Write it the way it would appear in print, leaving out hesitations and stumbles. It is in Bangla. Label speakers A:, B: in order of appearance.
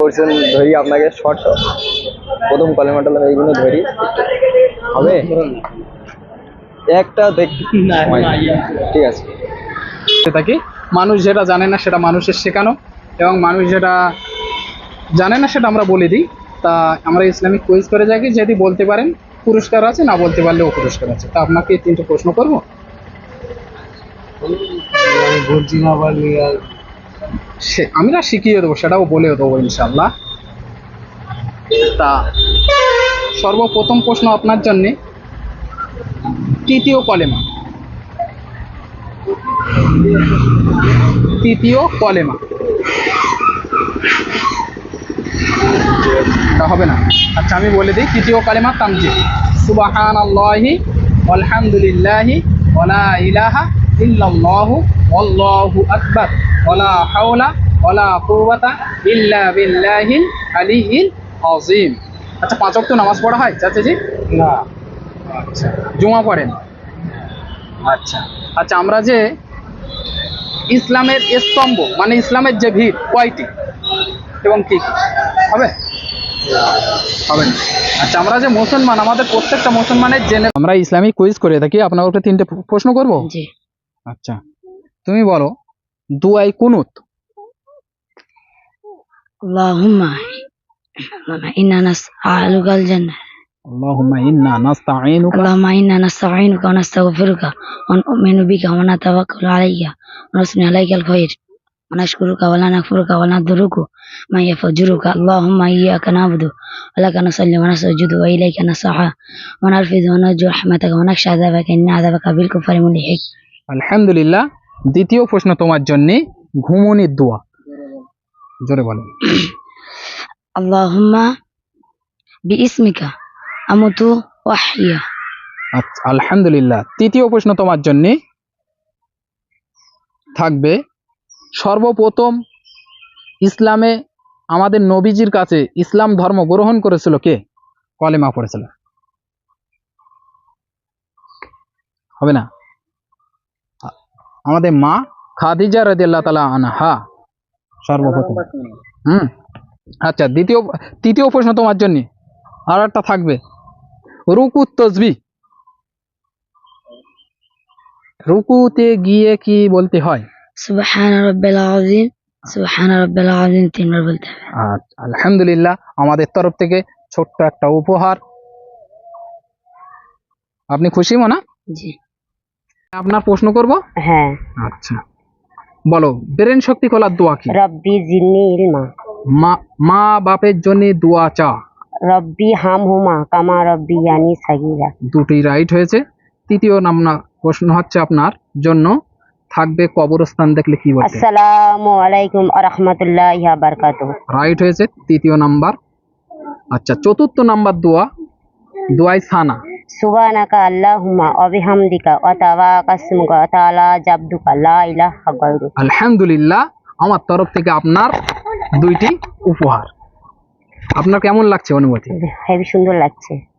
A: করছেন ধরি আপনাকে শর্ট প্রথম কলেমাটা এইগুলো ধরি হবে একটা দেখ ঠিক আছে।
B: থাকি মানুষ যেটা জানে না সেটা মানুষের শেখানো, এবং মানুষ যেটা জানে না সেটা আমরা বলে দিই। তা আমরা ইসলামিক কুইজ করে যাই, যদি বলতে পারেন পুরস্কার আছে, না বলতে পারলেও পুরস্কার আছে। তা আপনাকে 3টে প্রশ্ন করবো। আমি না শিখিয়ে দেবো, সেটাও বলেও দেবো ইনশাল্লাহ। তা সর্বপ্রথম প্রশ্ন আপনার জন্যে, তৃতীয় কলেমা। তৃতীয় কলেমা হবে না। আচ্ছা আমি বলে দিই, তৃতীয় কালেমা তামজিদ। সুবহানাল্লাহি আলহামদুলিল্লাহি ওয়ালা ইলাহা ইল্লাল্লাহু আল্লাহু আকবার ওয়ালা হাওলা ওয়ালা কুওয়াতা ইল্লা বিল্লাহিল আলিয়্যিল আযীম। আচ্ছা 5 ওয়াক্ত নামাজ পড়া হয় চাচাজি? না। আচ্ছা জুমা পড়েন? আচ্ছা আচ্ছা আমরা যে ইসলামের স্তম্ভ মানে ইসলামের যে ভিত কয়টি এবং কি কি হবে? হবে না। আচ্ছা আমরা যে মুসলমান, আমাদের প্রত্যেকটা মুসলমানের জেনে আমরা ইসলামিক কুইজ করে থাকি। আপনাকে 3টে প্রশ্ন করব। জি। আচ্ছা তুমি বলো দুআই কুনুত।
C: আল্লাহুম্মা ইন্না নাসআলুকাল জান্নাহ।
B: আল্লাহুম্মা ইন্না নাস্তাঈনুকা।
C: আল্লাহুম্মা ইন্না নাস্তাঈনুকা ওয়া নাস্তাগফিরুকা ওয়া নু'মিনু বিকা ওয়া নাতাওয়াক্কালু আলাইকা ওয়া নাসনি আলাইকাল খায়র ওয়া নাশকুরুকা ওয়া লা নাকফুরুকা ওয়া নাদুরুকা মা ইয়াফজুরুকা। আল্লাহুম্মা ইয়্যাকা না'বুদু ওয়া লাকা নুসাল্লি ওয়া নাসজুদু ওয়া ইলাইকা নাসআ ওয়া নারফিযু ওয়া নারজু রাহমাতাকা ওয়া নাখশা আযাবাকা ইন্না আযাবাকা বিল কুফারি মুলহিক।
B: আলহামদুলিল্লাহ। দ্বিতীয় প্রশ্ন তোমার জন্য, ঘুমনির দোয়া। জোরে বলো।
C: আল্লাহুম্মা বিইসমিকা আমুতু ওয়া আহইয়া।
B: আচ্ছা আলহামদুলিল্লাহ। তৃতীয় প্রশ্ন তোমার জন্য থাকবে, সর্বপ্রথম ইসলামে আমাদের নবীজির কাছে ইসলাম ধর্ম গ্রহণ করেছিল কে? কলেমা পড়েছিল। হবে না? আমাদের মা খাদিজা রাদিয়াল্লাহু তাআলা আনহা সর্বপ্রথম। আচ্ছা তৃতীয় প্রশ্ন তোমার জন্য আর একটা থাকবে, রুকু তসবিহ। রুকুতে গিয়ে কি বলতে হয়?
C: সুবহান রাব্বিল আযীম, সুবহান রাব্বিল আযীম 3 বার বলতে হবে।
B: আচ্ছা আলহামদুলিল্লাহ। আমাদের তরফ থেকে ছোট্ট একটা উপহার। আপনি খুশি মনা?
C: জি।
B: আপনার প্রশ্ন করব?
C: হ্যাঁ।
B: আচ্ছা বলো, ব্রেন শক্তি খোলার দোয়া কি?
C: রব্বি জিদনি ইলমা।
B: মা বাপের জন্য দোয়া চা।
C: রব্বি হামহুমা কামা রব্বিয়ানি সাগীরা।
B: দুটি রাইট হয়েছে। তৃতীয় প্রশ্ন হচ্ছে আপনার জন্য থাকবে, কবরস্থান দেখলে কি বলতে?
C: আসসালামু আলাইকুম ওয়া রাহমাতুল্লাহি ওয়া বারাকাতুহু।
B: রাইট হয়েছে, তৃতীয় নাম্বার। আচ্ছা চতুর্থ নাম্বার দোয়া, দোয়াই সানা।
C: সুবহানাকা আল্লাহুম্মা ওয়া বিহামদিকা ওয়া তাওয়াক্কাসমুকা ওয়া তাআলা জাবদুকা লা ইলাহা গায়রুক।
B: আলহামদুলিল্লাহ। আমার তরফ থেকে আপনার 2টি উপহার। আপনার কেমন লাগছে অনুভূতি?
C: হেবি সুন্দর লাগছে।